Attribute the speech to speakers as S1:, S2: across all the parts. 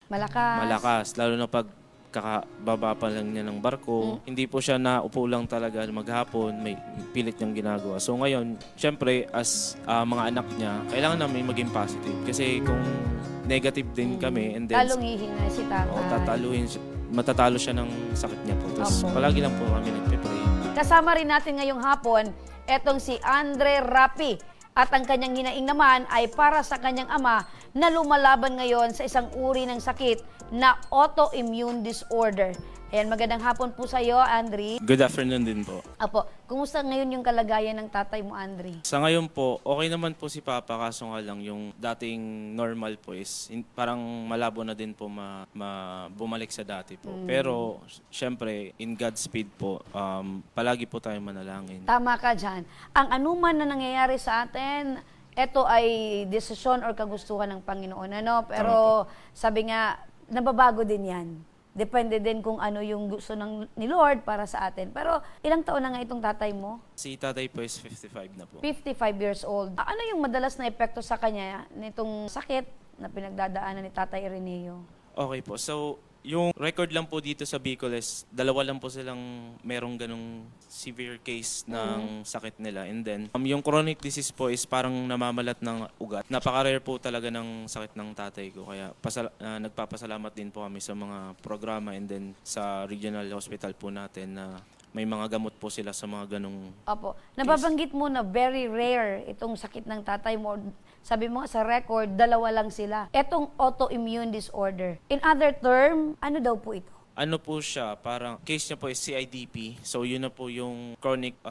S1: malakas. Lalo na pag kakababa pa lang niya ng barko. Hindi po siya naupo lang talaga maghapon, may pilit niyang ginagawa. So ngayon, syempre as mga anak niya, kailangan namin maging positive. Kasi kung negative din kami and then
S2: Talong hihina si tatay.
S1: matatalo siya ng sakit niya po. Tapos
S2: Opo.
S1: palagi lang po kami nagpe-pray.
S2: Kasama rin natin ngayong hapon, etong si Andre Rapi. At ang kanyang hinaing naman ay para sa kanyang ama na lumalaban ngayon sa isang uri ng sakit na autoimmune disorder. Ayan, magandang hapon po sa iyo, Andre.
S1: Good afternoon din po.
S2: Apo, kumusta ngayon yung kalagayan ng tatay mo, Andre?
S1: Sa ngayon po, okay naman po si Papa, kaso nga lang yung dating normal po is parang malabo na din po bumalik sa dati po. Pero syempre, in God's speed po, palagi po tayo manalangin.
S2: Tama ka dyan. Ang anuman na nangyayari sa atin, ito ay desisyon or kagustuhan ng Panginoon. Ano? Pero sabi nga, nababago din yan. Depende din kung ano yung gusto ni Lord para sa atin. Pero ilang taon na nga itong tatay mo?
S1: Si tatay po is 55 na po.
S2: 55 years old. Ano yung madalas na epekto sa kanya nitong sakit na pinagdadaanan ni Tatay Ireneo?
S1: Okay po. So, yung record lang po dito sa Bicol is dalawa lang po silang merong ganong severe case ng sakit nila. And then, yung chronic disease po is parang namamalat ng ugat. Napaka-rare po talaga ng sakit ng tatay ko. Kaya nagpapasalamat din po kami sa mga programa and then sa regional hospital po natin na may mga gamot po sila sa mga ganong.
S2: Opo. Nababanggit mo na very rare itong sakit ng tatay mo. Sabi mo nga sa record, dalawa lang sila. Etong autoimmune disorder. In other term, ano daw po ito?
S1: Ano po siya, parang case niya po is CIDP. So yun na po yung chronic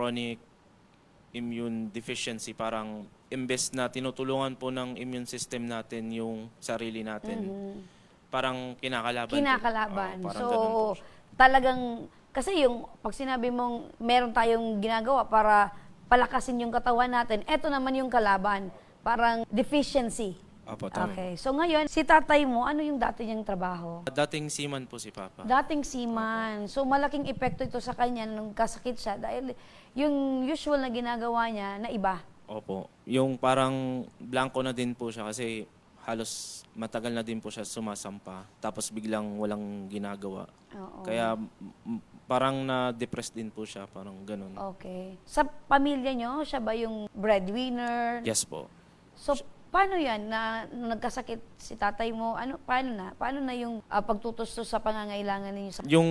S1: immune deficiency. Parang imbes na tinutulungan po ng immune system natin yung sarili natin. Parang kinakalaban.
S2: Kinakalaban.
S1: Parang
S2: So,
S1: ganun po siya.
S2: talagang, kasi yung pag sinabi mong meron tayong ginagawa para palakasin yung katawan natin, eto naman yung kalaban. Parang deficiency.
S1: Apo, tama.
S2: Okay. So ngayon, si tatay mo, ano yung dati niyang trabaho?
S1: Dating seaman po si Papa.
S2: Dating seaman. So malaking epekto ito sa kanya nung kasakit siya dahil yung usual na ginagawa niya na iba.
S1: Opo. Yung parang blanco na din po siya kasi halos matagal na din po siya sumasampa. Tapos biglang walang ginagawa.
S2: Oo.
S1: Kaya parang na-depressed din po siya. Parang ganun.
S2: Okay. Sa pamilya niyo, siya ba yung breadwinner?
S1: Yes po.
S2: So paano yan na nung nagkasakit si tatay mo? Paano na yung pagtutustos sa pangangailangan ninyo sa
S1: Yung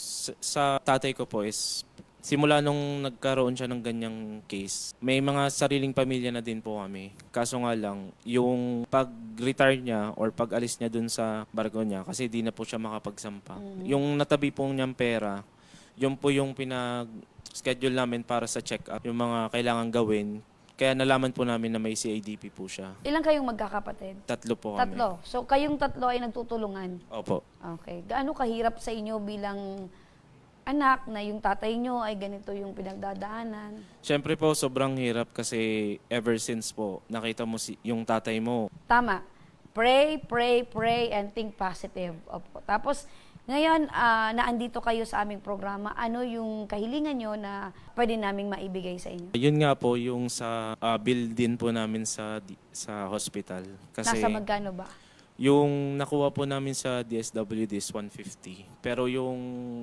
S1: sa tatay ko po is simula nung nagkaroon siya ng ganyang case, may mga sariling pamilya na din po kami. Kaso nga lang, yung pag-retire niya or pag-alis niya dun sa barko niya, kasi di na po siya makapagsampa. Yung natabi po niyang pera, yun po yung pinag-schedule namin para sa check-up, yung mga kailangan gawin. Kaya nalaman po namin na may CIDP po siya.
S2: Ilang kayong magkakapatid?
S1: 3 po kami.
S2: 3. So kayong 3 ay nagtutulungan.
S1: Opo.
S2: Okay. Gaano kahirap sa inyo bilang anak na yung tatay nyo ay ganito yung pinagdadaanan?
S1: Siyempre po, sobrang hirap kasi ever since po, nakita mo yung tatay mo.
S2: Tama. Pray, pray, pray, and think positive. Opo. Tapos, ngayon, naandito kayo sa aming programa. Ano yung kahilingan nyo na pwede naming maibigay sa inyo?
S1: Yun nga po yung sa bill din po namin sa hospital. Kasi
S2: Nasa magkano ba?
S1: yung nakuha po namin sa DSWD is 150. Pero yung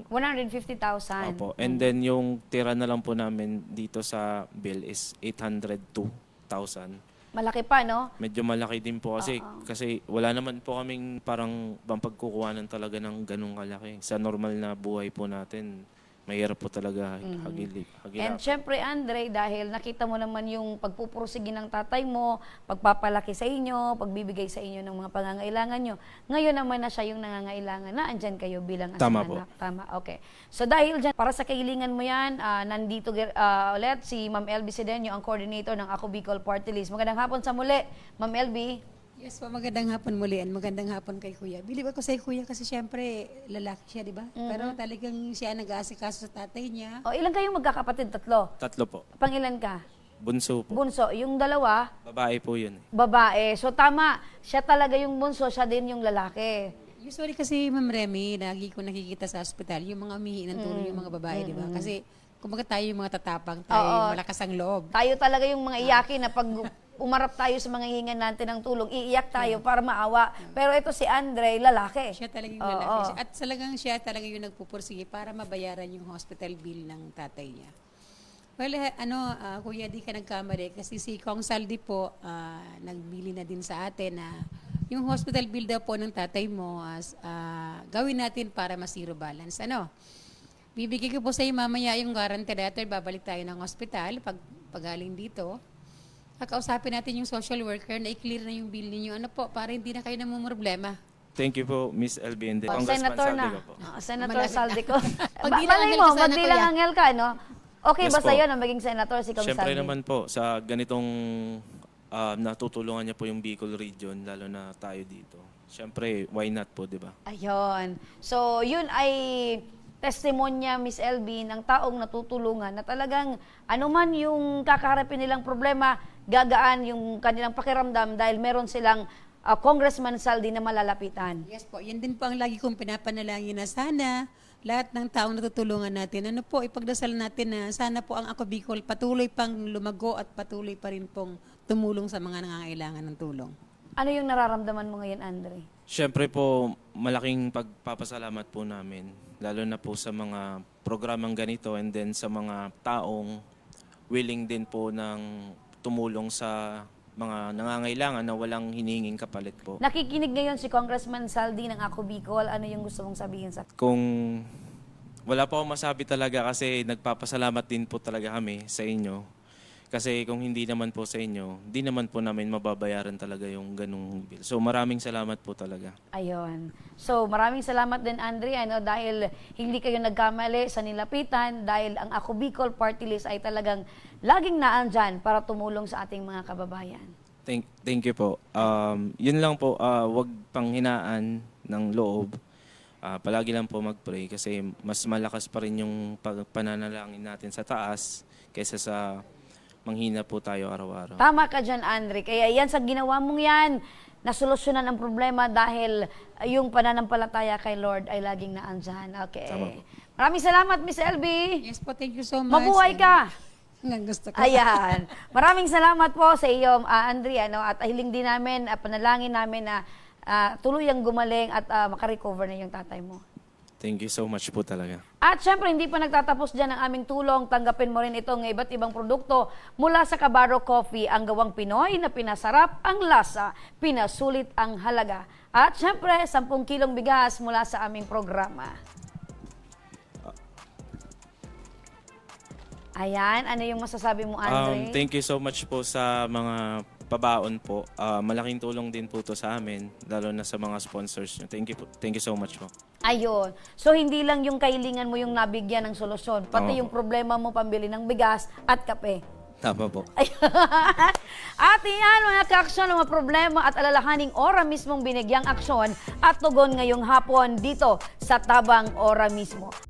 S2: 150,000.
S1: Opo, and then yung tira na lang po namin dito sa bill is 802,000.
S2: Malaki pa, no?
S1: Medyo malaki din po kasi wala naman po kaming parang pagkukuhanan talaga ng ganung kalaki. Sa normal na buhay po natin, mahirap po talaga hagilap.
S2: And syempre, Andre, dahil nakita mo naman yung pagpupursige ng tatay mo, pagpapalaki sa inyo, pagbibigay sa inyo ng mga pangangailangan nyo, ngayon naman na siya yung nangangailangan na andyan kayo bilang
S1: Tama
S2: anak.
S1: po.
S2: Tama, okay. So dahil dyan, para sa kahilingan mo yan, nandito ulit si Ma'am Elby Sedeño, ang coordinator ng Ako Bicol Party List. Magandang hapon sa muli, Ma'am Elby.
S3: Yes po, magandang hapon muli and magandang hapon kay Kuya. Believe ako sa Kuya kasi syempre lalaki siya, di ba? Pero talagang siya nag-aasikaso sa tatay niya.
S2: O, ilan kayong magkakapatid? 3?
S1: 3 po.
S2: Pangilan ka?
S1: Bunso po.
S2: Bunso. Yung dalawa,
S1: Babae po yun.
S2: babae. So tama, siya talaga yung bunso, siya din yung lalaki.
S3: Usually kasi Ma'am Remy, lagi ko nakikita sa ospital, yung mga umihi ng tulong yung mga babae, di ba? Kasi kumbaga tayo yung mga tatapang, tayo yung malakas ang loob.
S2: Tayo talaga yung mga iyakin na pag umarap tayo sa mga hihingan natin ng tulong, iiyak tayo para maawa. Pero ito si Andre, lalaki.
S3: Siya talaga yung
S2: Oo.
S3: lalaki. At talagang siya talaga yung nagpupursige para mabayaran yung hospital bill ng tatay niya. Well, Kuya, di ka nagkamali kasi si Kong Saldi po nagbili na din sa atin na yung hospital bill daw po ng tatay mo gawin natin para ma-zero balance. Bibigay ko po sa iyo mamaya yung guarantee letter, babalik tayo ng hospital pagaling dito. Kakausapin natin yung social worker na i-clear na yung bill ninyo. Para hindi na kayo namumroblema.
S1: Thank you po, Miss LB and
S2: Oh,
S1: Congressman
S2: Senator
S1: Saldi
S2: na.
S1: ko po.
S2: Senator Saldi ko.
S3: Pagdilang
S2: Malay
S3: angel
S2: mo,
S3: ka sana,
S2: magdilang
S3: Kuya.
S2: angel ka, no? Okay
S1: Yes
S2: ba
S1: po.
S2: sa'yo na maging senator si Kong
S1: Siyempre
S2: Saldi?
S1: naman po, sa ganitong natutulungan niya po yung Bicol region, lalo na tayo dito. Siyempre, why not po, di ba?
S2: Ayun. So, yun ay testimonya, Miss LB, ng taong natutulungan na talagang anuman yung kakaharapin nilang problema, gagaan yung kanilang pakiramdam dahil meron silang Congressman Saldi na malalapitan.
S3: Yes po, yan din po ang lagi kong pinapanalangin na sana lahat ng taong natutulungan natin, ipagdasal natin na sana po ang Ako Bicol patuloy pang lumago at patuloy pa rin pong tumulong sa mga nangangailangan ng tulong.
S2: Ano yung nararamdaman mo ngayon, Andre?
S1: Siyempre po, malaking pagpapasalamat po namin, lalo na po sa mga programang ganito and then sa mga taong willing din po ng tumulong sa mga nangangailangan na walang hinihinging kapalit po.
S2: Nakikinig ngayon si Congressman Saldi ng Ako Bicol. Ano yung gusto mong sabihin sa...
S1: Kung wala po akong masabi talaga kasi nagpapasalamat din po talaga kami sa inyo. Kasi kung hindi naman po sa inyo, hindi naman po namin mababayaran talaga yung ganung bill. So maraming salamat po talaga.
S2: Ayun. So, maraming salamat din, Andre, dahil hindi kayo nagkamali sa nilapitan, dahil ang Ako Bicol Party List ay talagang laging naandyan para tumulong sa ating mga kababayan.
S1: Thank you po. Yun lang po, wag panghinaan ng loob. Palagi lang po mag-pray kasi mas malakas pa rin yung pananalangin natin sa taas kaysa sa manghina po tayo araw-araw.
S2: Tama ka dyan, Andre. Kaya yan, sa ginawa mong yan, nasolusyonan ang problema dahil yung pananampalataya kay Lord ay laging naandyan. Okay.
S1: Tama po.
S2: Maraming salamat, Miss LB.
S3: Yes po, thank you so much.
S2: Mabuhay ka.
S3: Hanggang gusto ko.
S2: Ayan. Maraming salamat po sa iyo, Andre. At hiling din namin, panalangin namin na tuluyang gumaling at makarecover na yung tatay mo.
S1: Thank you so much po talaga.
S2: At syempre, hindi pa nagtatapos dyan ang aming tulong. Tanggapin mo rin itong iba't ibang produkto mula sa Cabarro Coffee, ang gawang Pinoy na pinasarap ang lasa, pinasulit ang halaga. At syempre, 10 kilong bigas mula sa aming programa. Ayan, ano yung masasabi mo, Andre?
S1: Thank you so much po sa mga pabaon po. Malaking tulong din po to sa amin, lalo na sa mga sponsors nyo. Thank you so much po.
S2: Ayun. So, hindi lang yung kailingan mo yung nabigyan ng solusyon, pati
S1: Oo.
S2: yung problema mo pambili ng bigas at kape.
S1: Tama po.
S2: At iyan, mga ka-aksyon, mga problema at alalahaning ora mismong binigyang aksyon at tugon ngayong hapon dito sa Tabang Ora mismo.